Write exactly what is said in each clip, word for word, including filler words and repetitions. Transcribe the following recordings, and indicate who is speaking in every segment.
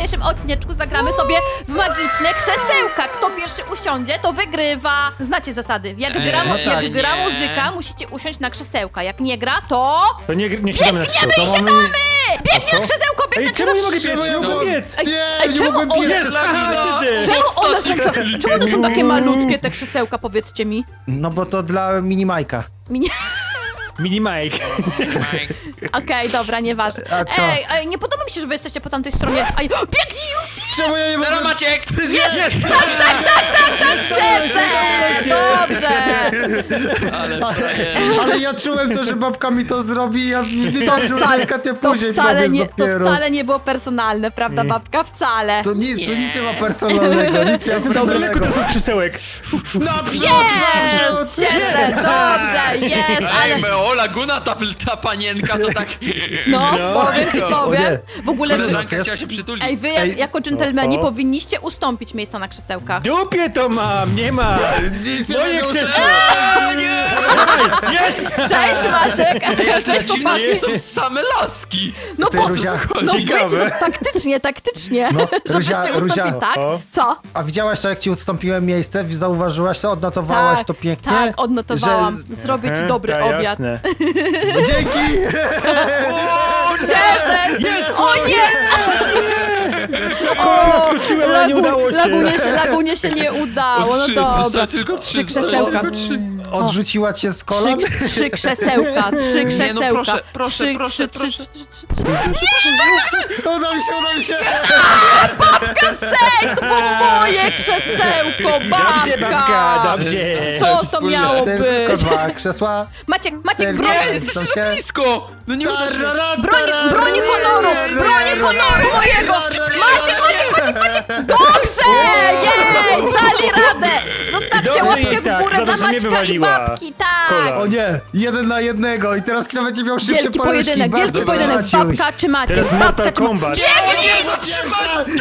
Speaker 1: dzisiejszym odcineczku zagramy sobie w magiczne krzesełka. Kto pierwszy usiądzie, to wygrywa. Znacie zasady. Jak
Speaker 2: Eee,
Speaker 1: gra,
Speaker 2: no
Speaker 1: jak
Speaker 2: tak.
Speaker 1: gra
Speaker 2: Nie.
Speaker 1: muzyka, musicie usiąść na krzesełka. Jak nie gra, to...
Speaker 3: To nie, nie siadamy na
Speaker 1: Biegniemy
Speaker 3: krzesełko.
Speaker 1: i siadamy! Biegnie
Speaker 3: A co?
Speaker 1: krzesełko, biegnie
Speaker 3: Ej, czemu nie mogę
Speaker 1: krzesełko.
Speaker 3: biec? Nie mogę biec!
Speaker 1: Ej,
Speaker 2: Nie,
Speaker 1: ej,
Speaker 2: nie
Speaker 1: czemu
Speaker 2: mogłem
Speaker 1: one-
Speaker 2: biec!
Speaker 3: Aha, ty!
Speaker 1: Czemu one, są ta, czemu one są takie malutkie, te krzesełka, powiedzcie mi?
Speaker 2: No bo to dla mini Majka.
Speaker 1: Minie...
Speaker 3: Mini Mike.
Speaker 1: Okej, dobra, nieważne.
Speaker 2: A co?
Speaker 1: Ej, ej, nie podoba mi się, że wy jesteście po tamtej stronie. Ej, biegnij już!
Speaker 2: Czemu ja nie mogę...
Speaker 4: Teraz Maciek!
Speaker 1: Jest! Tak, tak, tak, tak, tak, siedzę! Dobrze!
Speaker 4: Ale frajer.
Speaker 2: Ale ja czułem to, że babka mi to zrobi, ja wiedziałem, że
Speaker 1: Wcale,
Speaker 2: delikatnie
Speaker 1: to
Speaker 2: później
Speaker 1: wcale,
Speaker 2: powiedz
Speaker 1: nie, to
Speaker 2: dopiero.
Speaker 1: wcale nie było personalne, prawda, babka? Wcale.
Speaker 2: To nic, to nic nie ma personalnego, nic nie ma
Speaker 3: To daleko
Speaker 2: personalnego.
Speaker 3: do krzesełek.
Speaker 2: Naprzód,
Speaker 1: Jest!
Speaker 2: naprzód!
Speaker 1: Siedzę, dobrze, jest,
Speaker 4: Ej,
Speaker 1: ale...
Speaker 4: Meo, Laguna, ta, ta panienka to tak...
Speaker 1: No,
Speaker 3: No.
Speaker 1: powiem ci, powiem. W ogóle wy...
Speaker 4: Koleżanka
Speaker 2: jest-
Speaker 4: chciała się przytulić.
Speaker 1: Ej, wy jak,
Speaker 2: Ej.
Speaker 1: jako dżentelmeni
Speaker 3: Oho.
Speaker 1: powinniście ustąpić miejsca na krzesełkach.
Speaker 3: Dupie to mam, nie ma.
Speaker 2: Nic nie
Speaker 3: Moje
Speaker 2: będę
Speaker 3: krzesełko. Jest!
Speaker 1: Cześć, Maciek!
Speaker 4: Ale to
Speaker 1: Cześć,
Speaker 4: dziwne,
Speaker 1: chłopaki!
Speaker 4: że są same laski.
Speaker 1: No
Speaker 2: Ty,
Speaker 1: po
Speaker 2: Ruzia.
Speaker 1: No
Speaker 3: Ciekawe.
Speaker 1: wiecie, no, taktycznie, taktycznie.
Speaker 2: No,
Speaker 1: Żebyście
Speaker 2: Ruzia,
Speaker 1: ustąpili,
Speaker 2: Ruzia.
Speaker 1: tak?
Speaker 3: O.
Speaker 1: Co?
Speaker 2: A widziałaś to, jak ci ustąpiłem miejsce? Zauważyłaś to? Odnotowałaś
Speaker 1: Tak,
Speaker 2: to pięknie?
Speaker 1: tak, odnotowałam.
Speaker 2: Że...
Speaker 1: Zrobię ci
Speaker 3: Aha,
Speaker 1: dobry
Speaker 3: ta,
Speaker 1: obiad.
Speaker 3: jasne.
Speaker 2: No, dzięki!
Speaker 1: Siedzę!
Speaker 3: Jest!
Speaker 1: O nie!
Speaker 3: kolana skoczyłem, ale nie udało się.
Speaker 1: Lagunie się, Lagunie się nie udało, no
Speaker 4: Trzy,
Speaker 1: dobra.
Speaker 4: zostały tylko trzy,
Speaker 1: Trzy
Speaker 4: zostały
Speaker 1: krzesełka.
Speaker 4: tylko trzy.
Speaker 2: Odrzuciła cię z kolan?
Speaker 1: Trzy, trzy krzesełka, trzy krzesełka.
Speaker 4: Nie, no proszę, proszę,
Speaker 1: trzy,
Speaker 4: proszę,
Speaker 1: trzy,
Speaker 4: proszę.
Speaker 1: trzy, trzy, trzy, trzy.
Speaker 2: Uda mi się, uda mi się!
Speaker 1: Babka, seks, to było moje krzesełko,
Speaker 3: Dobrze, babka,
Speaker 1: babka.
Speaker 3: dobrze.
Speaker 1: Co to miało
Speaker 2: Tylko
Speaker 1: być?
Speaker 2: dwa krzesła.
Speaker 1: Maciek, Maciek,
Speaker 2: Tylko-
Speaker 1: broń,
Speaker 4: Nie, jesteście za blisko! No nie uda się.
Speaker 1: broń, broń honoru, broń honoru mojego. Maciek, Maciek, Maciek, Maciek. Dobrze, jej, dali radę. Zostawcie
Speaker 3: Dobrze
Speaker 1: łapkę
Speaker 3: jej
Speaker 1: w
Speaker 3: tak,
Speaker 1: górę
Speaker 3: za
Speaker 1: dla
Speaker 3: to, że mnie
Speaker 1: Maćka i
Speaker 3: wywaliła.
Speaker 1: babki, tak.
Speaker 3: Kola.
Speaker 2: O nie, jeden na jednego i teraz kto będzie miał szybsze
Speaker 1: Wielki
Speaker 2: paluszki?
Speaker 1: pojedynek, wielki
Speaker 2: Bardzo
Speaker 1: pojedynek.
Speaker 2: Maciuś.
Speaker 1: Babka czy Maciek?
Speaker 3: Teraz
Speaker 1: Babka
Speaker 3: Mortal
Speaker 1: czy Maciek?
Speaker 3: Kombat.
Speaker 4: Nie, nie, zatrzymaj!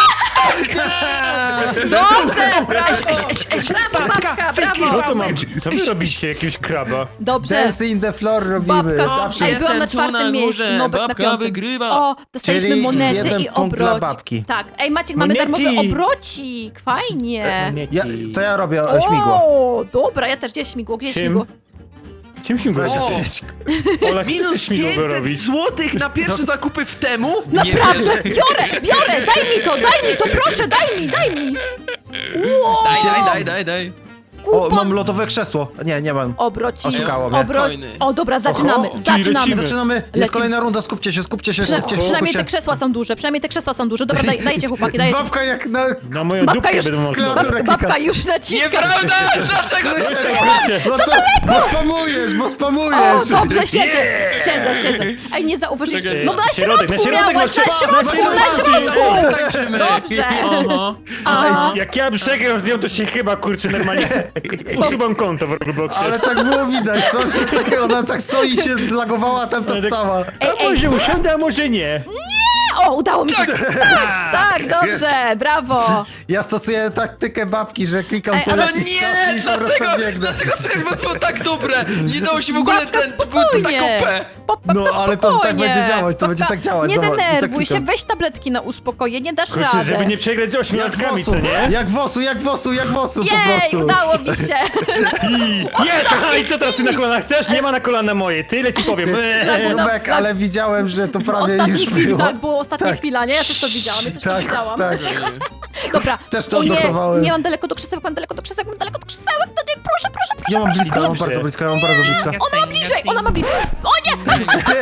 Speaker 1: Dobrze, brawo. Brawo, babka,
Speaker 3: Co
Speaker 1: brawo.
Speaker 3: to mam? Co wy robicie? Jakiegoś kraba?
Speaker 1: Dobrze.
Speaker 2: Dance in the floor robimy.
Speaker 1: Babka,
Speaker 2: Zawsze.
Speaker 1: ej,
Speaker 2: jest.
Speaker 1: byłam na
Speaker 4: Jestem tu
Speaker 1: czwartym
Speaker 4: na
Speaker 1: miejscu,
Speaker 4: górze,
Speaker 1: Nobek na
Speaker 4: babka
Speaker 1: piątym.
Speaker 4: wygrywa.
Speaker 1: O, dostaliśmy
Speaker 2: Czyli
Speaker 1: monety
Speaker 2: jeden
Speaker 1: i
Speaker 2: punkt dla
Speaker 1: obrocik.
Speaker 2: babki.
Speaker 1: Tak, ej Maciek, mamy
Speaker 3: Monety.
Speaker 1: darmowy obrocik, fajnie.
Speaker 2: Ja, to ja robię e, śmigło.
Speaker 1: O, dobra, ja też, gdzie jest śmigło, gdzie jest
Speaker 3: Czym?
Speaker 1: śmigło?
Speaker 3: Czym się
Speaker 2: Weź,
Speaker 3: go?
Speaker 4: O.
Speaker 2: weź.
Speaker 3: Ola, ty
Speaker 4: Minus
Speaker 3: chcesz śmigło
Speaker 4: pięćset
Speaker 3: robić?
Speaker 4: złotych na pierwsze zakupy w Semu?
Speaker 1: Naprawdę,
Speaker 4: Nie wierzę.
Speaker 1: biorę, biorę, daj mi to, daj mi to, proszę, daj mi, daj mi. Wow.
Speaker 4: Daj, daj, daj, daj, daj.
Speaker 2: O,
Speaker 1: Kupon,
Speaker 2: mam lotowe krzesło. Nie, nie mam.
Speaker 1: obrocik,
Speaker 2: Oszukało mnie.
Speaker 1: obro...
Speaker 4: Coiny.
Speaker 1: O, dobra, zaczynamy,
Speaker 3: Oho, czyli
Speaker 1: zaczynamy.
Speaker 3: lecimy.
Speaker 2: Zaczynamy. Jest
Speaker 1: Lecimy.
Speaker 2: kolejna runda. Skupcie się, skupcie się,
Speaker 1: Przyna
Speaker 2: skupcie się.
Speaker 1: przynajmniej te
Speaker 2: skupcie.
Speaker 1: krzesła są duże, przynajmniej te krzesła są duże. Dobra, daj, dajcie chłopaki, dajcie.
Speaker 2: Babka jak na...
Speaker 3: Na moją
Speaker 1: Babka
Speaker 3: dupkę
Speaker 1: już-
Speaker 3: będą można.
Speaker 2: Klawiaturę
Speaker 1: Bab,
Speaker 2: kika.
Speaker 1: babka już naciska.
Speaker 4: Nieprawda! Dlaczego to
Speaker 3: Kurczę.
Speaker 2: No to, bo spamujesz, bo
Speaker 1: O,
Speaker 2: spamujesz.
Speaker 1: dobrze, siedzę, siedzę, siedzę. Ej, nie zauważyliście.
Speaker 4: Czekaj.
Speaker 1: No na
Speaker 3: Środek, na
Speaker 1: środku
Speaker 3: środek,
Speaker 1: miałaś,
Speaker 3: no
Speaker 1: na
Speaker 3: trzeba-
Speaker 1: środku,
Speaker 3: na
Speaker 1: na
Speaker 3: środku.
Speaker 1: środku.
Speaker 4: tańczymy?
Speaker 1: Dobrze.
Speaker 4: Aha.
Speaker 1: Aha.
Speaker 3: Jak ja przegram z nią, to się chyba, kurczę, normalnie usuwam konto w Robloxie.
Speaker 2: Ale tak było widać, co? Że tak, ona tak stoi i się zlagowała, a tam ta
Speaker 3: Ale tak-
Speaker 2: stała.
Speaker 1: Ej,
Speaker 3: A
Speaker 1: ej,
Speaker 3: może usiądę, a może nie.
Speaker 1: o, udało mi się. Tak, tak, dobrze, brawo.
Speaker 2: Ja stosuję taktykę babki, że klikam
Speaker 1: Ej,
Speaker 2: co
Speaker 1: ale
Speaker 4: No
Speaker 2: jakiś czas
Speaker 4: nie!
Speaker 2: i po prostu
Speaker 4: Dlaczego?
Speaker 2: biegnę.
Speaker 4: Dlaczego słychać było to tak dobre? Nie dało się w ogóle
Speaker 1: Babka,
Speaker 4: ten... To było to tak
Speaker 1: spokojnie.
Speaker 4: O P.
Speaker 1: Pop, babka,
Speaker 2: No, ale to tak
Speaker 1: spokojnie.
Speaker 2: będzie działać, to będzie
Speaker 1: Babka,
Speaker 2: tak działać,
Speaker 1: Nie
Speaker 2: zobacz, i tak
Speaker 1: denerwuj się,
Speaker 2: klikam.
Speaker 1: weź tabletki na uspokojenie, nie dasz
Speaker 3: Kurczę,
Speaker 1: radę.
Speaker 3: żeby nie przegrać z
Speaker 2: Jak
Speaker 3: ośmiolatkami,
Speaker 2: wosu,
Speaker 3: co nie?
Speaker 2: jak wosu, jak wosu, jak wosu po
Speaker 1: Jej,
Speaker 2: prostu.
Speaker 1: udało mi się.
Speaker 3: I jest! Aha, i co teraz ty na kolana chcesz? Nie ma na kolana moje, tyle ci powiem. Eee.
Speaker 2: Nubek,
Speaker 1: no,
Speaker 2: ale widziałem, że to prawie
Speaker 1: Ostatni
Speaker 2: już
Speaker 1: chwil,
Speaker 2: było.
Speaker 1: tak, było ostatnia
Speaker 2: Tak.
Speaker 1: chwila, nie? Ja też to widziałam, ja też to
Speaker 2: Tak,
Speaker 1: widziałam.
Speaker 2: tak.
Speaker 1: Dobra.
Speaker 2: Też to
Speaker 1: O nie,
Speaker 2: odnotowałem.
Speaker 1: nie mam daleko do krzesełek, mam daleko do krzesełek, mam daleko do krzesełek, to nie, proszę, proszę, proszę,
Speaker 2: Ja mam
Speaker 1: proszę,
Speaker 2: blisko, ja mam
Speaker 1: proszę.
Speaker 2: bardzo blisko, ja mam bardzo blisko.
Speaker 1: Ona ma bliżej, ona ma bliżej. O nie!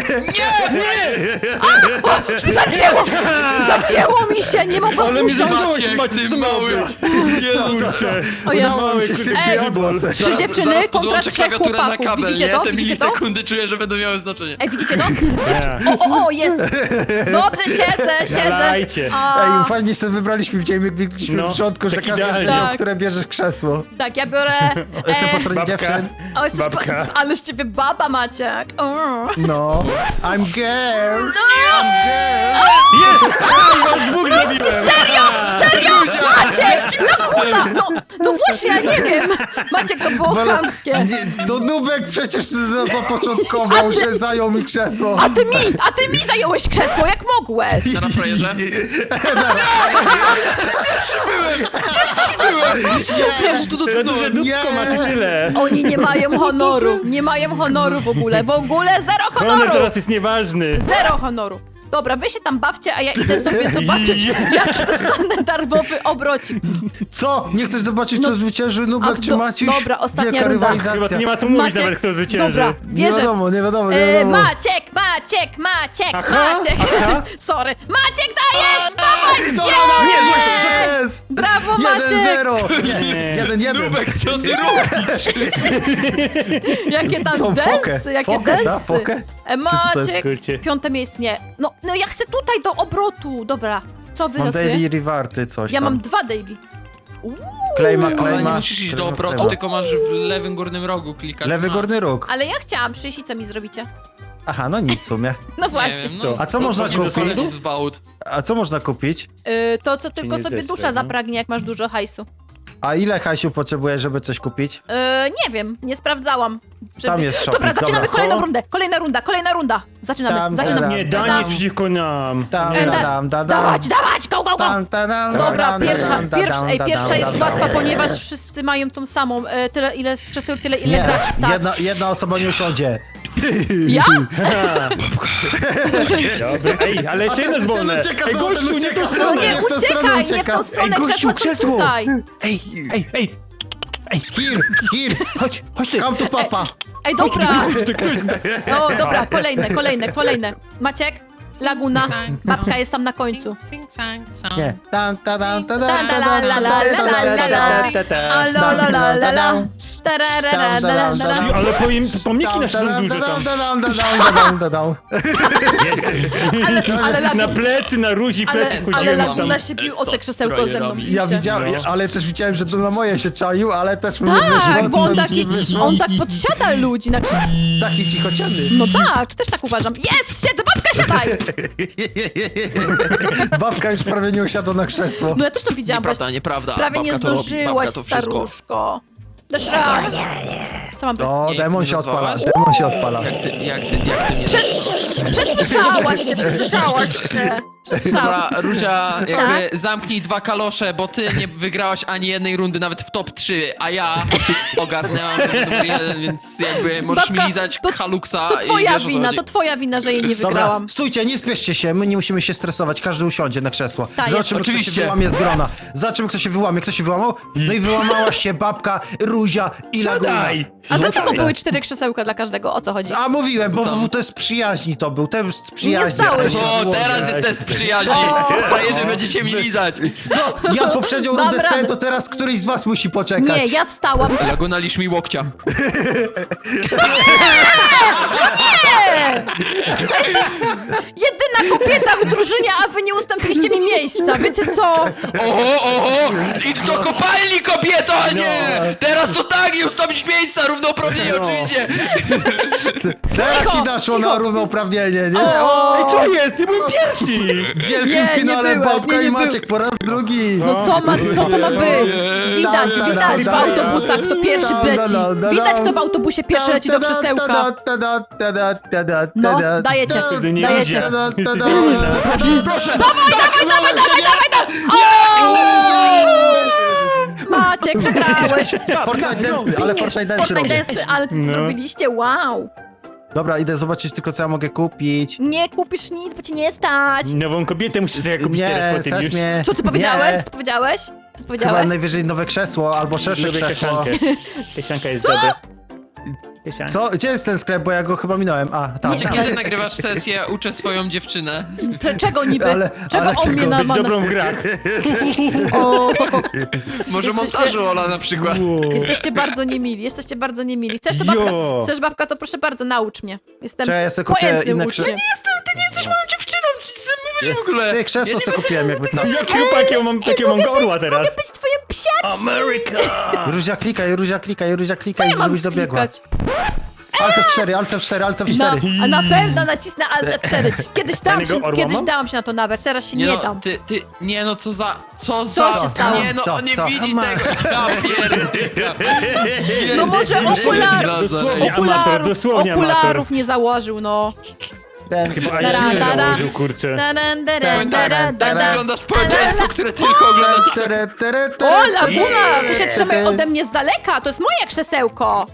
Speaker 4: Nie!
Speaker 1: Zacięło! Zacięło mi się, nie mogłam
Speaker 3: Ale mi
Speaker 1: usiąść.
Speaker 3: zabrałeś,
Speaker 4: Maciek,
Speaker 3: Maciek,
Speaker 4: ty
Speaker 3: to miało
Speaker 4: mały.
Speaker 3: być.
Speaker 4: Jezu.
Speaker 3: Kurczę.
Speaker 1: O ja-
Speaker 2: Udało mi się
Speaker 3: kurde,
Speaker 2: szybciej
Speaker 3: ej,
Speaker 2: odgłos.
Speaker 1: Trzy
Speaker 4: Zaraz-
Speaker 1: dziewczyny
Speaker 4: zaraz
Speaker 1: kontra
Speaker 4: podłączę
Speaker 1: trzech
Speaker 4: klawiaturę na
Speaker 1: chłopaków.
Speaker 4: kabel,
Speaker 1: Widzicie
Speaker 4: nie?
Speaker 1: to?
Speaker 4: Te
Speaker 1: Widzicie to?
Speaker 4: milisekundy czuję, że będą miały znaczenie.
Speaker 1: Ej, widzicie to?
Speaker 3: Nie.
Speaker 1: O, o, o, jest! Dobrze, siedzę, siedzę.
Speaker 3: Nalajcie.
Speaker 1: A,
Speaker 2: Ej, fajnie sobie wybraliśmy, widzieliśmy biegliśmy
Speaker 3: No,
Speaker 2: w rządku, że
Speaker 3: tak
Speaker 2: każdy
Speaker 3: idealnie.
Speaker 2: wziął,
Speaker 1: Tak.
Speaker 2: które bierzesz krzesło.
Speaker 1: tak, ja biorę...
Speaker 2: Jeszcze po
Speaker 1: E,
Speaker 2: stronie
Speaker 3: Babka.
Speaker 2: dziewczyn.
Speaker 1: o, jesteś
Speaker 3: babka.
Speaker 1: Pa, ale z ciebie baba, Maciek. Mm.
Speaker 2: No. I'm girl.
Speaker 3: Jest! A, was dwóch zabiłem!
Speaker 1: Serio? Serio? Maciek! Laguna! No, no właśnie, ja nie wiem. Maciek, to było
Speaker 2: Bela-
Speaker 1: chamskie.
Speaker 2: Nie, to Nubek przecież zapoczątkował, że zajął mi krzesło.
Speaker 1: A ty mi, a ty mi zająłeś krzesło, jak mogłeś?
Speaker 4: Na frajerze? Pierwszy tu
Speaker 3: To duże
Speaker 4: dotknąłem.
Speaker 3: dupko
Speaker 2: Nie.
Speaker 3: masz i tyle.
Speaker 1: Oni nie mają honoru, nie mają honoru w ogóle, w ogóle zero
Speaker 3: Honor
Speaker 1: honoru!
Speaker 3: teraz jest nieważny.
Speaker 1: Zero honoru. Dobra, wy się tam bawcie, a ja idę sobie zobaczyć, jaki dostanę darmowy obrocik.
Speaker 2: Co? Nie chcesz zobaczyć,
Speaker 1: No,
Speaker 2: co zwycięży
Speaker 1: a
Speaker 2: Nubek
Speaker 1: w
Speaker 2: czy
Speaker 1: do-
Speaker 2: Maciuś?
Speaker 1: dobra, ostatnia
Speaker 2: Wielka
Speaker 1: runda.
Speaker 3: Chyba
Speaker 2: rywalizacja.
Speaker 3: tu nie ma co mówić
Speaker 1: Maciek,
Speaker 3: nawet, kto zwycięży.
Speaker 1: Dobra,
Speaker 2: Nie
Speaker 1: wierzę.
Speaker 2: wiadomo, nie wiadomo, nie
Speaker 1: E,
Speaker 2: wiadomo.
Speaker 1: Maciek, Maciek, Maciek,
Speaker 3: Aha,
Speaker 1: Maciek.
Speaker 3: aha.
Speaker 1: Sorry. Maciek, dajesz! Dawaj!
Speaker 2: Co?
Speaker 1: Jest!
Speaker 2: Jest!
Speaker 1: Brawo,
Speaker 2: jeden
Speaker 1: Maciek!
Speaker 2: zero! Nie, jeden jeden.
Speaker 4: Nubek, co ty robisz?
Speaker 1: Jakie tam
Speaker 2: Co, fokę?
Speaker 1: densy, jakie
Speaker 2: Fokę, da?
Speaker 1: densy.
Speaker 2: Fokę?
Speaker 1: E,
Speaker 2: Czy co to jest,
Speaker 1: Maciek,
Speaker 3: kurczę?
Speaker 1: piąte miejsce, nie. No, no ja chcę tutaj do obrotu. Dobra, co
Speaker 2: Mam
Speaker 1: wylosuję?
Speaker 2: daily rewarty, coś
Speaker 1: Ja
Speaker 2: tam.
Speaker 1: mam dwa daily. Uuu,
Speaker 2: Klejma,
Speaker 4: Ale nie
Speaker 2: klejma.
Speaker 4: musisz iść do
Speaker 2: klejma,
Speaker 4: obrotu,
Speaker 2: klejma.
Speaker 4: tylko masz w lewym górnym rogu klikać.
Speaker 2: Lewy
Speaker 4: na-
Speaker 2: górny róg.
Speaker 1: ale ja chciałam przyjść i co mi zrobicie?
Speaker 2: Aha, no nic w sumie.
Speaker 1: No
Speaker 4: Nie
Speaker 1: właśnie.
Speaker 4: wiem,
Speaker 3: Co?
Speaker 4: no,
Speaker 2: A co można
Speaker 4: nie
Speaker 2: kupić?
Speaker 4: polecieć w zbałut.
Speaker 2: A co można kupić?
Speaker 1: Y, to, co tylko
Speaker 3: nie
Speaker 1: sobie
Speaker 3: zeszłe,
Speaker 1: dusza
Speaker 3: no.
Speaker 1: zapragnie, jak masz dużo hajsu.
Speaker 2: A ile Hasiu potrzebujesz, żeby coś kupić?
Speaker 1: Y, nie wiem, nie sprawdzałam. Żeby...
Speaker 2: Tam jest shopping,
Speaker 1: Dobra, zaczynamy
Speaker 2: dobra.
Speaker 1: kolejną
Speaker 2: O.
Speaker 1: rundę. Kolejna runda, kolejna runda. Zaczynamy,
Speaker 2: Tam,
Speaker 1: zaczynamy.
Speaker 2: tam,
Speaker 3: Nie,
Speaker 2: tam,
Speaker 3: Dani
Speaker 2: tam.
Speaker 3: przeciwko nam.
Speaker 2: Tam,
Speaker 1: E,
Speaker 2: da,
Speaker 1: da-
Speaker 2: dam, da, dam.
Speaker 1: Dawać, dawać, go, go, go!
Speaker 2: Tam, ta, dam, da,
Speaker 1: Dobra,
Speaker 2: dam, da,
Speaker 1: pierwsza,
Speaker 2: dam, da,
Speaker 1: pierwsza,
Speaker 2: dam,
Speaker 1: ej,
Speaker 2: da,
Speaker 1: pierwsza
Speaker 2: dam,
Speaker 1: jest
Speaker 2: da,
Speaker 1: łatwa,
Speaker 2: dam.
Speaker 1: ponieważ wszyscy mają tą samą. E, tyle, ile z krzeseł, tyle, ile
Speaker 2: Nie,
Speaker 1: graczy. Tak.
Speaker 2: jedna, jedna osoba nie usiądzie.
Speaker 1: Ja?
Speaker 3: Dobra, ej, ale jeszcze jedno jest
Speaker 2: ten
Speaker 3: wolne.
Speaker 2: ucieka,
Speaker 3: Ej,
Speaker 2: zobacz,
Speaker 3: gościu,
Speaker 2: ten
Speaker 3: nie
Speaker 2: ucieka.
Speaker 3: tą
Speaker 1: No
Speaker 3: stronę.
Speaker 1: nie,
Speaker 2: w tę stronę
Speaker 1: uciekaj, nie w
Speaker 2: ucieka.
Speaker 1: tą stronę,
Speaker 3: Ej, gościu,
Speaker 1: krzesła są
Speaker 3: krzesło.
Speaker 1: tutaj.
Speaker 3: Ej, ej, ej. Ej,
Speaker 2: Here, here,
Speaker 3: chodź, chodź ty.
Speaker 2: come to papa.
Speaker 1: Ej, dobra.
Speaker 3: Chodź ty, kto jest?
Speaker 1: No, dobra, kolejne, kolejne, kolejne. Maciek, Laguna, babka jest tam na końcu.
Speaker 2: Nie. Tam, ta, dam, ta,
Speaker 1: Ta,
Speaker 2: dam,
Speaker 1: la,
Speaker 2: ta,
Speaker 1: la,
Speaker 2: dam,
Speaker 1: la,
Speaker 2: ta,
Speaker 1: la,
Speaker 2: dam,
Speaker 1: la,
Speaker 2: ta,
Speaker 1: la,
Speaker 2: dam,
Speaker 1: la,
Speaker 2: ta,
Speaker 1: la.
Speaker 2: dam.
Speaker 1: A, la, la, la, la, la. Tararara, la, la, la, la.
Speaker 3: Ale powiem, pomniki
Speaker 2: Tam,
Speaker 3: nasze
Speaker 2: ta,
Speaker 3: są
Speaker 2: dam,
Speaker 3: duże
Speaker 2: ta,
Speaker 3: tam.
Speaker 2: dam, ta, dam, ta, dam, ta, dam.
Speaker 1: Ale, ale,
Speaker 3: Na
Speaker 1: Laguna,
Speaker 3: plecy, na ruzi
Speaker 1: ale,
Speaker 3: plecy
Speaker 1: ale
Speaker 3: chodzimy
Speaker 1: Laguna
Speaker 3: tam.
Speaker 1: się bił o te krzesełko ze mną.
Speaker 2: Ja
Speaker 1: Się.
Speaker 2: widziałem, ale też widziałem, że to na moje się czaił, ale też mu nie
Speaker 1: Tak,
Speaker 2: wyszło.
Speaker 1: bo on
Speaker 2: to
Speaker 1: taki,
Speaker 2: nie wyszło.
Speaker 1: on tak podsiada ludzi na krzesełko.
Speaker 2: Taki cichociany.
Speaker 1: No tak, też tak uważam. Jest, siedzę, babka, siadaj!
Speaker 2: Babka już prawie nie usiadła na krzesło.
Speaker 1: No ja też to widziałam.
Speaker 4: Nieprawda,
Speaker 1: właśnie.
Speaker 4: nieprawda.
Speaker 1: Prawie nie
Speaker 4: Babka to robi,
Speaker 1: zdążyłaś,
Speaker 4: babka to wszystko.
Speaker 1: staruszko. Dasz radę. Co mam
Speaker 2: O,
Speaker 4: Nie,
Speaker 2: demon
Speaker 4: ty
Speaker 2: się
Speaker 4: nazwałaś?
Speaker 2: odpala, demon się odpala.
Speaker 4: Jak ty, jak ty, jak ty mnie...
Speaker 1: Przesłyszałaś się, przesłyszałaś się. Przesłyszałaś.
Speaker 4: Dobra, Ruzia, jakby
Speaker 1: Tak?
Speaker 4: zamknij dwa kalosze, bo ty nie wygrałaś ani jednej rundy nawet w top trzy, a ja ogarnęłam ten numer jeden, więc jakby możesz
Speaker 1: Babka,
Speaker 4: mi lizać
Speaker 1: to-
Speaker 4: Haluksa
Speaker 1: To
Speaker 4: i
Speaker 1: twoja
Speaker 4: wiesz, o co
Speaker 1: wina,
Speaker 4: chodzi.
Speaker 1: to twoja wina, że jej nie
Speaker 2: Dobra,
Speaker 1: wygrałam.
Speaker 2: stójcie, nie spieszcie się, my nie musimy się stresować, każdy usiądzie na krzesło.
Speaker 1: Tak,
Speaker 2: Zobaczymy,
Speaker 4: jest.
Speaker 2: kto się
Speaker 4: Oczywiście.
Speaker 2: wyłamie z grona. Zobaczymy, kto się wyłamie. Kto się wyłamał? No i wyłamała się babka, Ruzia i Laguna.
Speaker 3: Siadaj.
Speaker 1: A dlaczego
Speaker 3: Siadaj.
Speaker 1: były cztery krzesełka dla każdego? O co chodzi?
Speaker 2: A mówiłem, bo,
Speaker 4: Tam.
Speaker 2: bo to jest przyjaźni to był, test przyjaźni.
Speaker 1: stały
Speaker 2: jak to
Speaker 1: się.
Speaker 2: się
Speaker 4: O,
Speaker 2: było.
Speaker 4: teraz jest test przyjaźni.
Speaker 1: O.
Speaker 4: Frajerzy, będziecie mi lizać.
Speaker 2: Co? Ja poprzednią
Speaker 1: Dam
Speaker 2: rundę stałem,
Speaker 1: radę.
Speaker 2: to teraz któryś z was musi poczekać.
Speaker 1: Nie, ja stałam.
Speaker 4: Laguna, lisz mi łokcia.
Speaker 1: Nie! Jesteś jedyna kobieta w drużynie, a wy nie ustąpiliście mi miejsca. Wiecie co?
Speaker 4: Oho, oho! Idź do kopalni, kobieto, a nie! Teraz to tak, nie ustąpić miejsca, równouprawnienie
Speaker 3: No.
Speaker 4: oczywiście.
Speaker 2: Teraz
Speaker 1: Cicho,
Speaker 2: ci naszło
Speaker 1: cicho.
Speaker 2: na równouprawnienie, nie?
Speaker 1: O!
Speaker 3: Ej, co jest? Nie byłem pierwszy.
Speaker 2: W wielkim
Speaker 1: Nie, nie
Speaker 2: finale
Speaker 1: byłeś,
Speaker 2: babka
Speaker 1: nie, nie
Speaker 2: i
Speaker 1: był.
Speaker 2: Maciek po raz drugi.
Speaker 1: No co ma, co to ma być? Widać,
Speaker 2: Da, da,
Speaker 1: widać w
Speaker 2: da, da.
Speaker 1: autobusach, kto pierwszy
Speaker 2: Da, da,
Speaker 1: leci.
Speaker 2: da, da,
Speaker 1: Widać,
Speaker 2: da.
Speaker 1: kto w autobusie pierwszy leci do krzesełka. No, dajecie,
Speaker 3: nie
Speaker 1: dajecie.
Speaker 3: idzie.
Speaker 4: Proszę!
Speaker 1: Dawaj, dawaj, dawaj, dawaj, dawaj, dawaj! O! Maciek, przegrałeś.
Speaker 2: Fortnite Dance, ale Fortnite Dance
Speaker 1: Fortnite
Speaker 2: robię.
Speaker 1: Dance, ale to
Speaker 3: No.
Speaker 1: zrobiliście, wow.
Speaker 2: Dobra, idę zobaczyć tylko, co ja mogę kupić.
Speaker 1: Nie kupisz nic, bo ci nie stać.
Speaker 3: Nową kobietę musisz sobie kupić
Speaker 2: Nie,
Speaker 3: teraz po tym
Speaker 2: stać
Speaker 3: już.
Speaker 2: mnie.
Speaker 1: Co ty powiedziałeś?
Speaker 2: Nie.
Speaker 1: Co powiedziałeś? Co
Speaker 2: Chyba
Speaker 1: powiedziałeś?
Speaker 2: najwyżej nowe krzesło, albo szersze
Speaker 3: Lubię
Speaker 2: krzesło.
Speaker 3: kieszankę. Kieszanka jest
Speaker 1: Co?
Speaker 3: dobra. Kieszanka.
Speaker 2: Co? Gdzie jest ten sklep, bo ja go chyba minąłem. A, tam,
Speaker 4: Czy
Speaker 2: tam.
Speaker 4: kiedy nagrywasz sesję, uczę swoją dziewczynę?
Speaker 1: Cze- Czego niby?
Speaker 2: Ale-
Speaker 1: Czego
Speaker 2: ale
Speaker 1: on
Speaker 2: czego?
Speaker 1: mnie
Speaker 3: Być
Speaker 1: nama...
Speaker 3: dobrą w grach.
Speaker 1: O,
Speaker 4: Może
Speaker 1: Jesteście-
Speaker 4: montażu Ola na przykład.
Speaker 3: Wow.
Speaker 1: jesteście bardzo niemili, jesteście bardzo niemili. Chcesz to babka?
Speaker 3: Jo.
Speaker 1: Chcesz babka, to proszę bardzo, naucz mnie. Jestem
Speaker 2: Czekaj, ja sobie kupię
Speaker 1: pojętnym
Speaker 2: inne
Speaker 1: uczniem.
Speaker 2: krze-
Speaker 4: Jestem, ty nie jesteś moją dziewczyną, co ty sobie mówisz w ogóle?
Speaker 2: Ty, krzesło sobie kupiłem, jakby co.
Speaker 3: Jakiego takiego mam, takiego mam gorła teraz?
Speaker 1: Mogę być twoim psiaczem!
Speaker 3: Ameryka!
Speaker 2: Ruzia klikaj, Ruzia klikaj, Ruzia
Speaker 1: Co
Speaker 2: klikaj,
Speaker 1: ja mam
Speaker 2: żebyś dobiegła.
Speaker 1: klikać?
Speaker 2: Alt F cztery, Alt F cztery, Alt F
Speaker 1: No,
Speaker 2: cztery.
Speaker 1: a na pewno nacisnę Alt F cztery. Kiedyś dałam
Speaker 3: Danego
Speaker 1: się,
Speaker 3: orła
Speaker 1: kiedyś
Speaker 3: mam?
Speaker 1: dałam się na to nabrać, teraz się nie,
Speaker 4: Nie no,
Speaker 1: dam.
Speaker 4: ty, ty, nie no, co za, co za,
Speaker 1: się stało?
Speaker 4: nie no,
Speaker 2: Co,
Speaker 4: on nie
Speaker 2: co?
Speaker 4: widzi tego, ja pierdolę.
Speaker 1: No może okular-
Speaker 3: Dosłownie
Speaker 1: Okularów,
Speaker 3: amator, dosłownie
Speaker 1: okularów
Speaker 3: amator.
Speaker 1: nie założył, no.
Speaker 2: Ten,
Speaker 3: Chyba
Speaker 1: Dara,
Speaker 3: ja nie
Speaker 1: dara.
Speaker 3: założył, kurczę.
Speaker 1: Taran, taran, taran,
Speaker 4: Tak
Speaker 1: taran.
Speaker 4: wygląda społeczeństwo, które tylko ogląda.
Speaker 2: Tere, tere, tere,
Speaker 1: O,
Speaker 2: tere,
Speaker 1: Laguna, ty się
Speaker 2: tere,
Speaker 1: trzymaj
Speaker 2: tere.
Speaker 1: ode mnie z daleka, to jest moje krzesełko.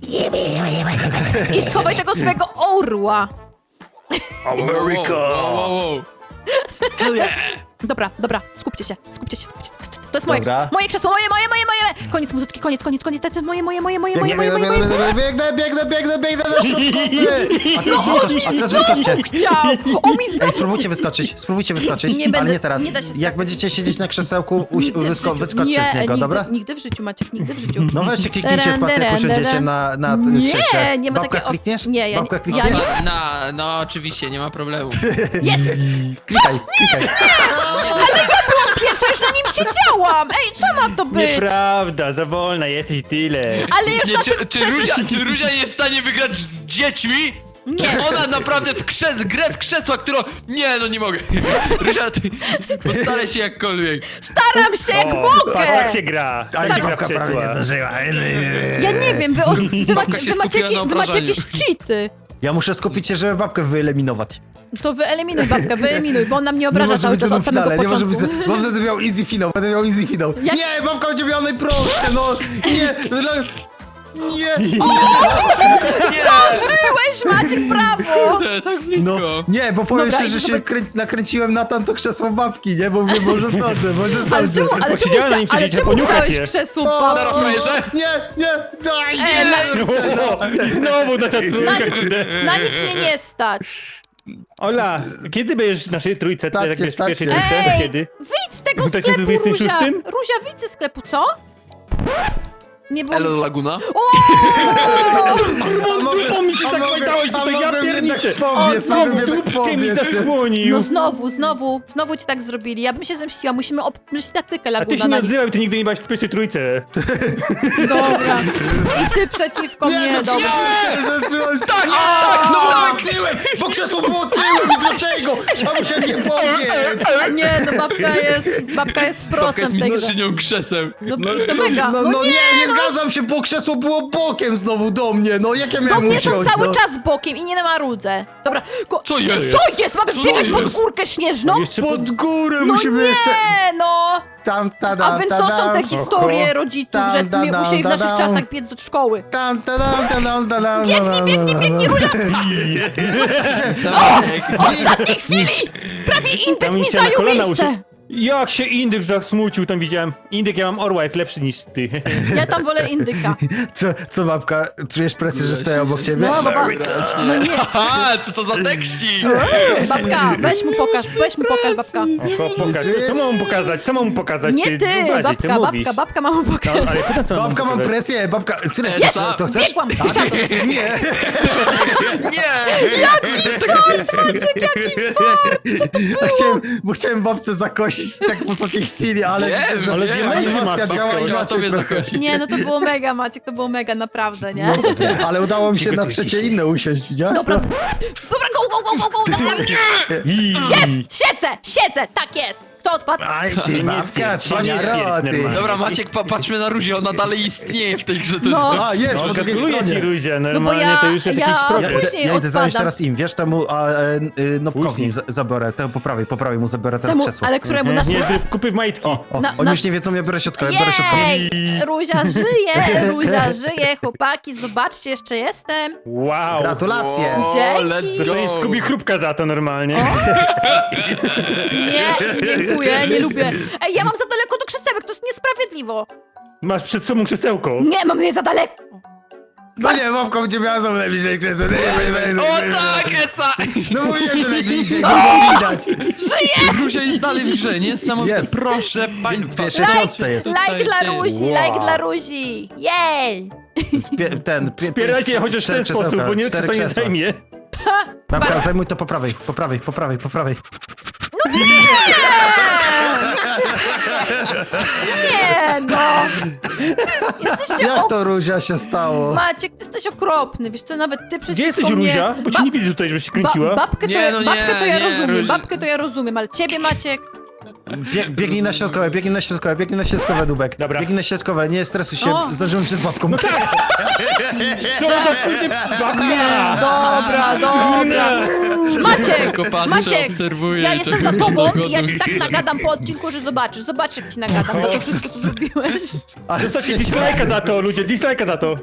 Speaker 1: I schowaj tego swojego orła.
Speaker 3: America!
Speaker 4: Wow, wow, wow. Hell yeah.
Speaker 1: Dobra, dobra, skupcie się, skupcie się, skupcie się. To jest moje
Speaker 2: Dobra.
Speaker 1: krzesło, moje krzesło, moje, moje, moje, moje. Koniec muzyczki, koniec, koniec, koniec, to jest moje, moje, moje, moje, moje, moje, moje, moje.
Speaker 2: Biegnę, biegnę, biegnę, biegnę na środkowy! A teraz wyskoczcie, a teraz wyskoczcie.
Speaker 1: Chciał, o mi
Speaker 2: Ej,
Speaker 1: znowu.
Speaker 2: spróbujcie wyskoczyć, spróbujcie wyskoczyć,
Speaker 1: Nie
Speaker 2: ale
Speaker 1: będę-
Speaker 2: nie teraz.
Speaker 1: nie da się
Speaker 2: Jak będziecie siedzieć na krzesełku, uś-
Speaker 1: Nigdy w
Speaker 2: wysko
Speaker 1: życiu.
Speaker 2: wyskoczcie
Speaker 1: nie,
Speaker 2: z niego,
Speaker 1: nigdy,
Speaker 2: dobra?
Speaker 1: Nigdy w życiu, Maciek, nigdy w życiu.
Speaker 2: No weźcie, kliknijcie
Speaker 1: Taran,
Speaker 2: spację, jak
Speaker 1: taran,
Speaker 2: usiądziecie
Speaker 1: taran.
Speaker 2: na, na
Speaker 1: Nie,
Speaker 2: krześle.
Speaker 1: nie ma
Speaker 2: Babka
Speaker 1: takiej opcji.
Speaker 2: klikniesz?
Speaker 1: Nie, ja nie-
Speaker 2: Babka
Speaker 1: ja
Speaker 2: klikniesz?
Speaker 1: nie-
Speaker 4: No, no oczywiście, nie ma problemu.
Speaker 1: Jest!
Speaker 2: Klikaj, klikaj.
Speaker 1: Pierwsza już na nim siedziałam! Ej, co ma to być?
Speaker 3: Nieprawda, za wolna jesteś i tyle.
Speaker 1: Ale już
Speaker 4: Nie,
Speaker 1: na
Speaker 4: czy,
Speaker 1: tym
Speaker 4: czy,
Speaker 1: krześle...
Speaker 4: Ruzia, czy Ruzia jest w stanie wygrać z dziećmi?
Speaker 1: Nie.
Speaker 4: Czy ona naprawdę w krzes, grę w krzesła, którą... Nie, no nie mogę. Ruzia, ty postaraj się jakkolwiek.
Speaker 1: Staram się jak
Speaker 3: O,
Speaker 1: mogę!
Speaker 3: tak się gra.
Speaker 2: Ale
Speaker 3: Tak się
Speaker 2: się
Speaker 3: gra
Speaker 2: babka
Speaker 3: w
Speaker 2: prawie nie
Speaker 3: krzesła.
Speaker 2: zdążyła.
Speaker 1: Ja nie wiem, wy, o, wy,
Speaker 4: Babka
Speaker 1: macie,
Speaker 4: się
Speaker 1: wy, macie,
Speaker 4: skupiła na
Speaker 1: jakie- wy macie
Speaker 4: obrażaniu.
Speaker 1: jakieś cheaty.
Speaker 2: Ja muszę skupić się, żeby babkę wyeliminować.
Speaker 1: To wyeliminuj babkę, wyeliminuj, bo on nam nie
Speaker 2: Nie
Speaker 1: obraża
Speaker 2: może
Speaker 1: cały
Speaker 2: być
Speaker 1: czas
Speaker 2: ze mną
Speaker 1: od
Speaker 2: w
Speaker 1: samego
Speaker 2: finale, nie może
Speaker 1: początku.
Speaker 2: być, bo wtedy miał easy finał, będę miał easy finał.
Speaker 1: Jak-
Speaker 2: Nie, babka będzie miała najprostsze, no, nie, no, nie,
Speaker 1: Zdążyłeś, Maciek, brawo!
Speaker 4: E, Tak blisko.
Speaker 2: no, nie, bo powiem
Speaker 1: Dobra,
Speaker 2: szczerze,
Speaker 1: i
Speaker 2: że się
Speaker 1: zobacz-
Speaker 2: krę... nakręciłem na tamto krzesło babki, nie, bo mówię, może zdążę, może
Speaker 1: Ale
Speaker 2: zdążę.
Speaker 1: czemu, ale
Speaker 3: Bo
Speaker 1: czemu,
Speaker 3: siedziałem na
Speaker 1: chcia,
Speaker 3: nim
Speaker 1: ale
Speaker 3: przecież,
Speaker 1: czemu
Speaker 3: poniukać
Speaker 1: chciałeś
Speaker 3: je.
Speaker 1: krzesło
Speaker 2: O,
Speaker 1: babki?
Speaker 4: frajerze?
Speaker 2: Nie, nie, daj,
Speaker 1: Ej,
Speaker 2: nie.
Speaker 3: O, znowu na ta
Speaker 1: Na
Speaker 3: trójka,
Speaker 1: nic,
Speaker 3: kurde.
Speaker 1: na nic mnie nie stać.
Speaker 3: Ola, kiedy będziesz w naszej trójce,
Speaker 2: Tak,
Speaker 3: tak, tak
Speaker 2: jest,
Speaker 3: w
Speaker 2: tak,
Speaker 3: pierwszej
Speaker 2: jest.
Speaker 3: trójce?
Speaker 1: Ej,
Speaker 3: Kiedy?
Speaker 1: wyjdź z tego
Speaker 3: W dwa tysiące
Speaker 1: sklepu,
Speaker 3: dwudziestym
Speaker 1: Ruzia.
Speaker 3: szóstym?
Speaker 1: Ruzia, wyjdź ze sklepu, co? Nie było...
Speaker 4: Elo Laguna?
Speaker 3: Dupą mi się
Speaker 2: A
Speaker 3: tak
Speaker 2: mogę-
Speaker 3: majtałeś
Speaker 2: a
Speaker 3: tutaj, ja
Speaker 2: mogłem
Speaker 3: pierniczę!
Speaker 2: jednak powiedz,
Speaker 3: O,
Speaker 2: mogłem
Speaker 3: znowu
Speaker 2: jednak
Speaker 3: dupkiem mi
Speaker 2: powiedz.
Speaker 3: zasłonił!
Speaker 1: No znowu, znowu, znowu ci tak zrobili. Ja bym się zemściła, musimy obmyślić taktykę
Speaker 3: A ty
Speaker 1: Laguna
Speaker 3: się
Speaker 1: na
Speaker 3: nie
Speaker 1: nich.
Speaker 3: odzywaj, ty nigdy nie byłaś w pierwszej trójce.
Speaker 1: Dobra. I ty przeciwko mnie,
Speaker 2: Nie,
Speaker 1: dobra.
Speaker 2: zaczynałem, zaczynałem. Tak, tak, no tak, tyłem, bo krzesło było tyłem i dlatego trzeba musiałem nie powiedzieć.
Speaker 1: Nie, no babka jest, babka jest
Speaker 4: Babka
Speaker 1: prosem
Speaker 4: jest
Speaker 1: w tej grze.
Speaker 4: mistrzynią krzeseł.
Speaker 1: No, i to mega.
Speaker 2: No, no, nie, nie zgadzam się, bo krzesło było bokiem znowu do mnie, no jak ja
Speaker 1: Do
Speaker 2: miałem
Speaker 1: mnie są
Speaker 2: usiąść,
Speaker 1: cały
Speaker 2: no.
Speaker 1: czas bokiem i nie na marudzę. Dobra, ko-
Speaker 4: Co jest?
Speaker 1: Co jest? Mamy
Speaker 4: Co
Speaker 1: biegać pod
Speaker 4: jest?
Speaker 1: górkę śnieżną?
Speaker 3: Jeszcze
Speaker 2: Pod górę
Speaker 1: No
Speaker 2: musimy jeszcze...
Speaker 1: nie, no!
Speaker 2: Tam, tada,
Speaker 1: A więc to są te historie
Speaker 3: Oho.
Speaker 1: rodziców,
Speaker 2: Tam,
Speaker 1: że
Speaker 2: da,
Speaker 1: mi-
Speaker 2: da,
Speaker 1: musieli w
Speaker 2: da,
Speaker 1: naszych
Speaker 2: da.
Speaker 1: czasach biec do szkoły.
Speaker 2: Tam, tada, tada, tada,
Speaker 1: Biegnij, biegnij, biegnij, Róża!
Speaker 4: Camek.
Speaker 1: W ostatniej chwili! Prawie indyk
Speaker 3: Tam mi
Speaker 1: mi
Speaker 3: się na
Speaker 1: zajął
Speaker 3: kolana
Speaker 1: miejsce!
Speaker 3: usi- Jak się indyk zasmucił, tam widziałem. Indyk, ja mam orła, jest lepszy niż ty.
Speaker 1: Ja tam wolę indyka.
Speaker 2: Co, co babka, czujesz presję, że stoję obok ciebie?
Speaker 1: No, baba, no nie.
Speaker 4: Aha, co to za tekści?
Speaker 1: Babka, weź mu pokaż, weź mu pokaż, babka.
Speaker 3: Oho, pokaż. Co mam mu pokazać? Co mam mu pokazać?
Speaker 1: Nie ty,
Speaker 3: Uważaj,
Speaker 1: babka,
Speaker 3: ty mówisz.
Speaker 1: babka, babka ma mu
Speaker 3: No,
Speaker 1: pokazać.
Speaker 3: ale pytam, co
Speaker 2: Babka, mam
Speaker 3: pokazać.
Speaker 2: presję, babka, które,
Speaker 4: Jest!
Speaker 2: to, to chcesz?
Speaker 1: Biegłam, usiadłam.
Speaker 2: Nie.
Speaker 4: Nie!
Speaker 1: Maciek, jaki
Speaker 2: A chciałem, bo chciałem babce zakosić tak w ostatniej chwili, ale
Speaker 4: Wiem,
Speaker 2: widzę, że
Speaker 3: ale
Speaker 4: wiem,
Speaker 3: diamenty
Speaker 2: animacja
Speaker 3: masz, babka,
Speaker 2: działa
Speaker 3: chciała
Speaker 4: Chciała
Speaker 2: inaczej
Speaker 4: tobie
Speaker 2: trochę.
Speaker 4: zakosić.
Speaker 1: Nie, no to było mega, Maciek, to było mega, naprawdę, nie?
Speaker 2: Ale udało mi się na
Speaker 3: Przygotuj
Speaker 2: trzecie
Speaker 3: się.
Speaker 2: inne usiąść, widziałeś?
Speaker 1: Dobra,
Speaker 2: to?
Speaker 1: dobra, go, go, go, go, go, dobra.
Speaker 3: I-
Speaker 1: Jest! Siedzę, siedzę, tak jest! Kto odpadł?
Speaker 2: Aj ty
Speaker 3: Nie
Speaker 2: babka,
Speaker 3: spierć, nie
Speaker 2: twoja
Speaker 3: spierć
Speaker 2: roty.
Speaker 3: normalnie.
Speaker 4: Dobra, Maciek, pa patrzmy na Ruzie, ona dalej istnieje w tej grze. To
Speaker 1: No.
Speaker 4: jest...
Speaker 2: A, jest,
Speaker 3: No,
Speaker 2: po drugiej
Speaker 3: gratuluję ci,
Speaker 2: stronie.
Speaker 3: Ruzia,
Speaker 1: No bo
Speaker 3: normalnie
Speaker 1: ja,
Speaker 3: to już jest
Speaker 1: ja
Speaker 3: jakiś
Speaker 2: Ja,
Speaker 3: progres.
Speaker 2: idę,
Speaker 1: później
Speaker 2: ja idę znaleźć
Speaker 1: odpadam.
Speaker 2: teraz im, wiesz, temu a, e, y, Nopkowi
Speaker 3: Później.
Speaker 2: za- zabiorę, temu po prawej, po prawej mu zabiorę teraz
Speaker 1: Temu,
Speaker 2: krzesło.
Speaker 1: ale któremu
Speaker 3: Nie,
Speaker 1: nasz...
Speaker 3: nie, ty kupy w majtki.
Speaker 2: O, o,
Speaker 1: Na-
Speaker 2: oni
Speaker 1: nasz-
Speaker 2: już nie wiedzą, ja biorę środkowe, biorę środkowe.
Speaker 1: Jej! Ruzia żyje, Ruzia żyje, chłopaki, zobaczcie, jeszcze jestem.
Speaker 3: Wow.
Speaker 2: Gratulacje.
Speaker 4: Wow,
Speaker 1: Dzięki.
Speaker 4: let's
Speaker 3: Dostaniesz
Speaker 4: go.
Speaker 3: Skubi chrupka za to normalnie.
Speaker 1: Nie, dziękuję, nie lubię. Ej, ja mam za daleko do krzesełek, to jest niesprawiedliwo.
Speaker 3: Masz przed sobą krzesełko.
Speaker 1: Nie, mam je za daleko.
Speaker 2: No nie, babka będzie miała znowu najbliżej krzesła.
Speaker 4: O tak, Esa!
Speaker 2: No mówiłem, że najbliżej, nie widać.
Speaker 1: Żyję!
Speaker 4: Ruzia jest dalej w grze, niesamowite.
Speaker 2: Jest.
Speaker 4: Proszę państwa.
Speaker 2: Pierwszy
Speaker 1: Like,
Speaker 2: stopce jest.
Speaker 1: like dla Ruzi,
Speaker 3: Wow.
Speaker 1: like dla Ruzi. Jej!
Speaker 2: Pie, ten, pie,
Speaker 3: Wspierajcie je chociaż w ten
Speaker 2: cztery
Speaker 3: sposób,
Speaker 2: krzesełka,
Speaker 3: bo nie
Speaker 2: cztery
Speaker 3: co nie
Speaker 2: krzesła.
Speaker 3: zajmie.
Speaker 2: Babka, zajmuj to po prawej, po prawej, po prawej, po prawej.
Speaker 1: Nie, no! Jesteście
Speaker 2: Jak
Speaker 1: ok...
Speaker 2: to Ruzia się stało?
Speaker 1: Maciek, ty jesteś okropny, wiesz co, nawet ty przeciwko
Speaker 3: Gdzie jesteś,
Speaker 1: mnie...
Speaker 3: Ruzia? Bo cię nie widzę tutaj, żebyś się kręciła.
Speaker 1: Ba babkę to,
Speaker 4: Nie,
Speaker 1: ja,
Speaker 4: no nie,
Speaker 1: babkę to ja
Speaker 4: nie,
Speaker 1: rozumiem,
Speaker 4: Ruzia.
Speaker 1: babkę to ja rozumiem, ale ciebie, Maciek...
Speaker 2: Bieg, biegnij na środkowe, biegnij na środkowe, biegnij na środkowe, Dubek.
Speaker 3: Dobra.
Speaker 2: Biegnij na środkowe, nie stresuj się,
Speaker 1: O.
Speaker 2: zdążyłem przed babką.
Speaker 3: Co za kurde babka!
Speaker 1: Dobra, dobra. Maciek,
Speaker 4: Tylko patrzę,
Speaker 1: Maciek,
Speaker 4: obserwuję
Speaker 1: ja
Speaker 4: i
Speaker 1: jestem
Speaker 4: tak
Speaker 1: za tobą
Speaker 4: dogoduję.
Speaker 1: i ja ci tak nagadam po odcinku, że zobaczysz, zobacz jak ci nagadam za to wszystko, co zrobiłeś.
Speaker 2: Ale
Speaker 3: Zostawcie dislike'a za to, ludzie, dislike'a za to.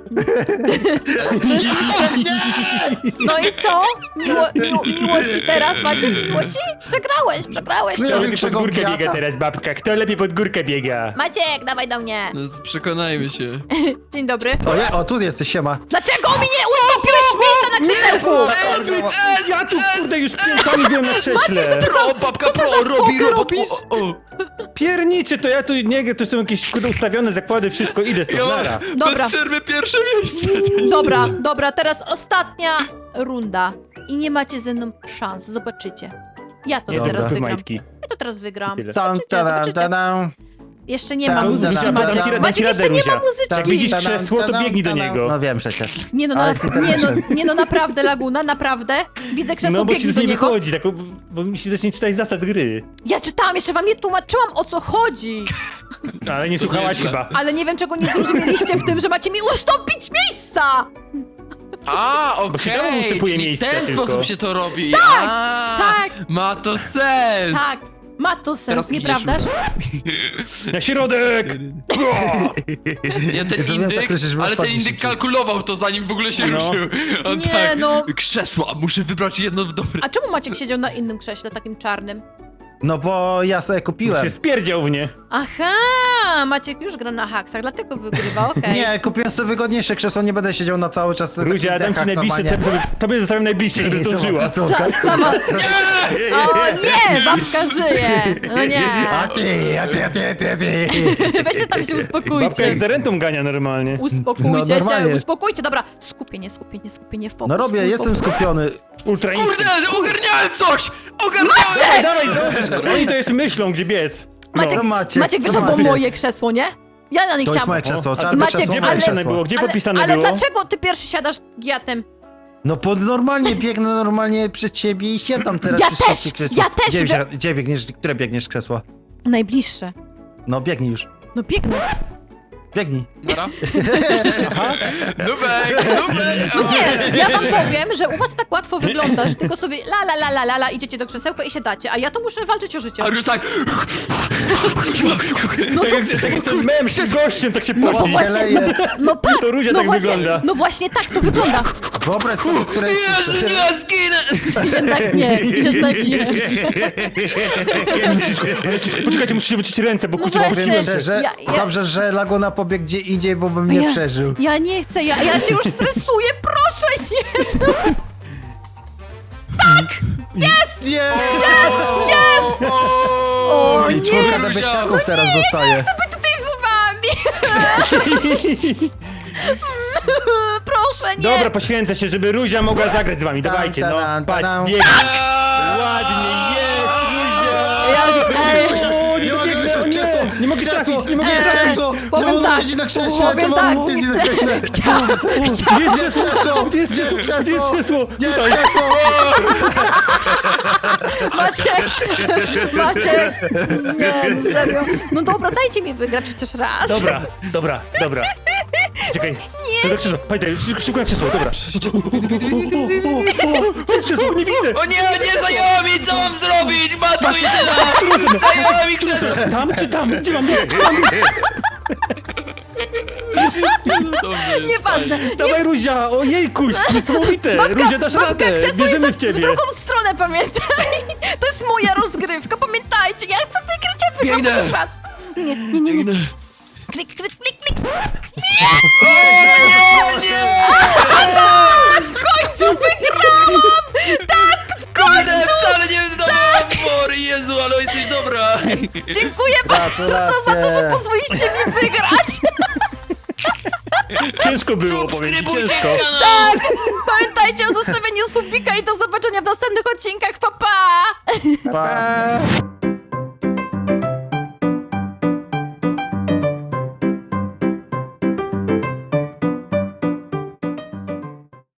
Speaker 1: No i co? Miło, miło, miło ci teraz, Maciek, miło ci? Przegrałeś, przegrałeś.
Speaker 2: No ja
Speaker 3: Kto
Speaker 2: wiem,
Speaker 3: lepiej pod
Speaker 2: czego
Speaker 3: górkę
Speaker 2: biata.
Speaker 3: biega teraz, babka? Kto lepiej pod górkę biega?
Speaker 1: Maciek, dawaj do mnie.
Speaker 4: No, przekonajmy się.
Speaker 1: Dzień dobry.
Speaker 2: O, je, o, tu jesteś, siema.
Speaker 1: Dlaczego mi nie ustąpiłeś miejsca na krzesełku?
Speaker 3: Ja tu kurde już piętami byłem na krześle.
Speaker 4: O, babka
Speaker 1: co ty
Speaker 4: pro,
Speaker 1: za
Speaker 4: robi
Speaker 1: fokę
Speaker 4: robot.
Speaker 1: robisz?
Speaker 4: O, o.
Speaker 3: Pierniczy, to ja tu nie, to są jakieś kurde ustawione zakłady, wszystko, idę
Speaker 4: Ja
Speaker 3: stąd,
Speaker 4: mam
Speaker 3: nara.
Speaker 1: Dobra.
Speaker 4: bez przerwy pierwsze miejsce.
Speaker 1: Dobra, dobra, teraz ostatnia runda. I nie macie ze mną szans, zobaczycie. Ja to
Speaker 3: Nie,
Speaker 1: teraz
Speaker 3: dobra,
Speaker 1: wygram.
Speaker 3: majtki.
Speaker 1: Ja to teraz wygram.
Speaker 3: Tyle.
Speaker 2: Tam,
Speaker 1: Zobaczycie,
Speaker 2: tadam,
Speaker 1: zobaczycie.
Speaker 2: tadam.
Speaker 1: Jeszcze nie
Speaker 2: Tam,
Speaker 1: ma
Speaker 2: tam,
Speaker 1: muzyczki,
Speaker 2: tam,
Speaker 1: Maciek.
Speaker 2: tam, tam,
Speaker 1: Maciek,
Speaker 3: tam,
Speaker 1: jeszcze nie ma
Speaker 3: tam,
Speaker 1: muzyczki.
Speaker 3: Jak widzisz
Speaker 2: Tadam,
Speaker 3: krzesło, to
Speaker 2: tadam,
Speaker 3: biegnij do
Speaker 2: tadam.
Speaker 3: niego.
Speaker 2: No wiem przecież.
Speaker 1: Nie no,
Speaker 2: Ale
Speaker 1: na,
Speaker 2: jest
Speaker 1: nie, no,
Speaker 2: internecie.
Speaker 1: nie no, naprawdę, Laguna, naprawdę. Widzę krzesło,
Speaker 3: No bo ci
Speaker 1: biegnij
Speaker 3: z
Speaker 1: do
Speaker 3: nie
Speaker 1: niego.
Speaker 3: wychodzi, tak, bo, bo mi się zacznie czytać zasad gry.
Speaker 1: Ja czytałam, jeszcze wam nie tłumaczyłam, o co chodzi.
Speaker 3: Ale nie słuchałaś
Speaker 4: Nieźle.
Speaker 3: chyba.
Speaker 1: Ale nie wiem, czego nie zrozumieliście w tym, że macie mi ustąpić miejsca.
Speaker 4: A,
Speaker 3: Bo się tam
Speaker 4: okej,
Speaker 3: ustępuje
Speaker 4: czyli w
Speaker 3: miejsce
Speaker 4: ten
Speaker 3: tylko.
Speaker 4: sposób się to robi. Tak,
Speaker 1: tak.
Speaker 4: Ma to sens.
Speaker 1: Tak, ma to sens,
Speaker 4: Teraz
Speaker 1: nieprawdaż?
Speaker 3: Na środek!
Speaker 4: Nie, ten
Speaker 2: Żeby tak
Speaker 4: indyk,
Speaker 2: ruszyć, żeby
Speaker 4: ale ten
Speaker 2: odpadnie
Speaker 4: indyk
Speaker 2: szybciej.
Speaker 4: kalkulował to zanim w ogóle się
Speaker 3: No.
Speaker 4: ruszył. On
Speaker 1: Nie,
Speaker 4: tak,
Speaker 1: no.
Speaker 4: krzesła, muszę wybrać jedno w dobre.
Speaker 1: A czemu Maciek siedział na innym krześle, takim czarnym?
Speaker 2: No bo ja sobie
Speaker 3: Się
Speaker 2: kupiłem.
Speaker 3: spierdział w nie.
Speaker 1: Aha, Maciek już gra na haksach, dlatego wygrywa, okej.
Speaker 2: Nie, kupiłem sobie wygodniejsze krzesło, nie będę siedział na cały czas na
Speaker 3: Ruzia,
Speaker 2: takich
Speaker 3: dam ci
Speaker 2: dekach
Speaker 3: najbliższe,
Speaker 2: normalnie.
Speaker 3: tobie, tobie zostawiam najbliższe, żeby zdążyła.
Speaker 2: Co?
Speaker 1: Sa sama... O nie, babka żyje. No nie.
Speaker 2: A ty, a ty, a ty, a ty, a ty.
Speaker 1: Weźcie tam się
Speaker 3: Babka
Speaker 1: uspokójcie.
Speaker 3: jak za rentą gania normalnie.
Speaker 1: Uspokójcie
Speaker 2: No,
Speaker 1: się,
Speaker 2: normalnie.
Speaker 1: uspokójcie. Dobra, skupienie, skupienie, skupienie, fokus.
Speaker 2: No robię,
Speaker 1: full
Speaker 2: jestem
Speaker 1: fokus.
Speaker 2: skupiony.
Speaker 3: Ultra
Speaker 4: Kurde,
Speaker 3: instynkt.
Speaker 4: ogarniałem coś! Ogarniałem!
Speaker 3: Dawaj, dawaj, zdążysz. Oni to jeszcze myślą, gdzie biec. No.
Speaker 1: Maciek,
Speaker 2: Co macie?
Speaker 1: Maciek,
Speaker 2: Co
Speaker 1: wiesz, to było
Speaker 2: macie?
Speaker 1: moje krzesło, nie? Ja na nie
Speaker 2: To jest
Speaker 1: chciałam...
Speaker 2: moje krzesło,
Speaker 3: O, a
Speaker 2: czarne
Speaker 1: Maciek,
Speaker 2: krzesło,
Speaker 3: Gdzie
Speaker 2: moje
Speaker 1: ale-
Speaker 3: podpisane
Speaker 2: krzesło.
Speaker 3: było? Gdzie
Speaker 1: ale,
Speaker 3: podpisane
Speaker 1: ale
Speaker 3: było?
Speaker 1: dlaczego ty pierwszy siadasz giatem?
Speaker 2: No bo normalnie biegnę normalnie przed ciebie i siadam teraz
Speaker 1: Ja
Speaker 2: przy
Speaker 1: też,
Speaker 2: wszystkich krzesłach.
Speaker 1: ja też
Speaker 2: Gdzie,
Speaker 1: we-
Speaker 2: wsi- gdzie biegniesz, które biegniesz krzesła?
Speaker 1: Najbliższe.
Speaker 2: No biegnij już.
Speaker 1: No biegnę.
Speaker 2: Biegnij.
Speaker 4: Nara. Nubek, Nubek!
Speaker 1: No nie, ja wam powiem, że u was tak łatwo wygląda, że tylko sobie la la la la la la idziecie do krzesełka i siadacie, a ja to muszę walczyć o życie.
Speaker 4: A już tak...
Speaker 1: No
Speaker 3: Tak
Speaker 1: to...
Speaker 3: jak, tak jak ten mem z gościem, tak się
Speaker 1: No
Speaker 3: poci.
Speaker 1: właśnie,
Speaker 2: leje.
Speaker 1: no tak,
Speaker 3: To Ruzia
Speaker 1: no
Speaker 3: tak
Speaker 1: właśnie,
Speaker 3: wygląda.
Speaker 1: no właśnie tak to wygląda.
Speaker 2: Wyobraź sobie, które jest...
Speaker 4: Jezu, nie, zginę!
Speaker 1: Jednak nie, jednak nie.
Speaker 3: Poczekajcie, muszę się wyczyścić ręce, bo
Speaker 1: No
Speaker 3: kurczę,
Speaker 1: właśnie.
Speaker 3: mam ręce.
Speaker 2: Szczerze,
Speaker 1: Ja- ja-
Speaker 2: dobrze, że Laguna pobiegł gdzie indziej, bo bym nie
Speaker 1: ja,
Speaker 2: przeżył.
Speaker 1: Ja nie chcę, ja, ja się już stresuję, proszę, nie.
Speaker 2: Nie!
Speaker 4: Jest!
Speaker 1: O
Speaker 2: I
Speaker 1: nie,
Speaker 2: czwórka do bieściaków teraz dostaje.
Speaker 1: by tutaj z wami. Proszę, nie.
Speaker 3: Dobra, poświęcę się, żeby Ruzia mogła zagrać z wami.
Speaker 2: Tam,
Speaker 3: Dawajcie, no.
Speaker 2: tadam,
Speaker 3: Patrz,
Speaker 2: tadam.
Speaker 3: bieg. Ładnie, jest, Ruzia!
Speaker 1: Ja, ej,
Speaker 3: O, nie
Speaker 2: Nie mogę
Speaker 3: dobiegnę, o
Speaker 2: już, krzesło,
Speaker 3: nie! Nie mogę
Speaker 2: krzesło,
Speaker 3: trafić, nie mogę
Speaker 2: jest
Speaker 3: trafić!
Speaker 2: krzesło!
Speaker 1: powiem
Speaker 2: Czemu on
Speaker 1: tak,
Speaker 2: siedzi na krześle?
Speaker 1: powiem
Speaker 2: Czemu
Speaker 1: tak,
Speaker 2: on siedzi na krześle?
Speaker 1: Chciałam,
Speaker 3: Gdzie jest krzesło?
Speaker 2: krzesło?
Speaker 3: Gdzie jest
Speaker 2: Gdzie jest
Speaker 3: krzesło? Gdzie jest
Speaker 2: krzesło?
Speaker 3: krzesło?
Speaker 2: Gdzie jest
Speaker 3: Tutaj.
Speaker 2: krzesło?
Speaker 1: Maciek, Maciek, nie, no serio. No dobra, dajcie mi wygrać chociaż raz.
Speaker 3: Dobra, dobra, dobra. Czekaj. Nie. Do krzesła, pamiętaj, szybko- szybko na krzesło, dobra. Jest krzesło, nie widzę!
Speaker 4: O nie, nie zajęła mi, co mam zrobić? Matko i tyle! Zajęła mi krzesło!
Speaker 3: Tam czy tam? Gdzie mam bieg?
Speaker 4: Dobrze,
Speaker 1: Nieważne.
Speaker 3: Dawaj Ruzia, ojejkuś, niesamowite! Ruzia, dasz
Speaker 1: babka,
Speaker 3: radę,
Speaker 1: krzesło jest
Speaker 3: wierzymy w
Speaker 1: w
Speaker 3: ciebie.
Speaker 1: drugą stronę, pamiętaj. To jest moja rozgrywka, pamiętajcie. Ja chcę wygrać, ja wygram
Speaker 4: Biegnę.
Speaker 1: chociaż raz. Nie, nie, nie, nie. Klik, klik, klik, klik. W końcu wygrałam! Tak, w
Speaker 4: Kurde,
Speaker 1: końcu!
Speaker 4: wcale nie dawałam pory, Jezu, ale jesteś dobra!
Speaker 1: Dziękuję bardzo za to, że pozwoliście mi wygrać.
Speaker 3: Ciężko było, powiem ci,
Speaker 4: Subskrybujcie
Speaker 3: ciężko.
Speaker 4: kanał!
Speaker 1: Tak, pamiętajcie o zostawieniu subika i do zobaczenia w następnych odcinkach. Pa, pa!
Speaker 2: Pa.